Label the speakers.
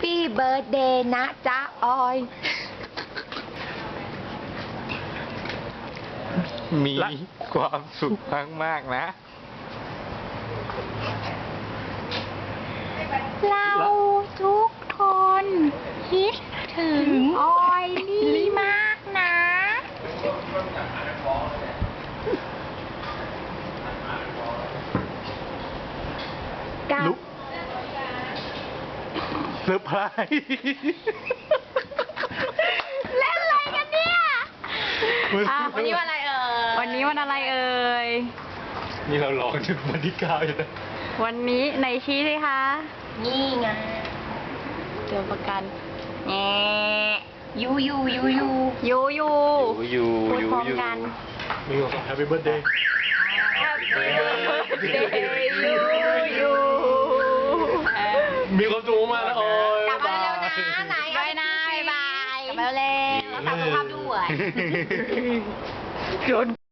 Speaker 1: Happy Birthday นะจ๊ะออย
Speaker 2: มีความสุขมากๆนะ
Speaker 1: เราทุกคนคิดถึงออยลี่มากนะกับ
Speaker 2: ลุก เซอร์ไพรส์
Speaker 1: เล่นอะไรกันเนี่ย
Speaker 3: วันนี้วันอะไรเอ่ย
Speaker 4: วันนี้วันอะไรเอ่ย
Speaker 2: นี่เรารอถึงวันที่9อยู่นะ
Speaker 4: วันนี้ไหนชี้สิคะ
Speaker 1: นี่ไง
Speaker 4: เจอประกันแง
Speaker 1: ยู
Speaker 4: ยูยู
Speaker 2: อยู่
Speaker 1: พูดพร้อมกัน
Speaker 2: มีความสุข Happy Birthday
Speaker 4: ยู
Speaker 2: มีความสุขมากนะโอ้ย
Speaker 1: กลับมาเร็วๆนะไหน
Speaker 4: บายนะบ๊ายบาย
Speaker 1: กลับมาเร็วๆรักษาสุขภาพด้วย
Speaker 4: โดน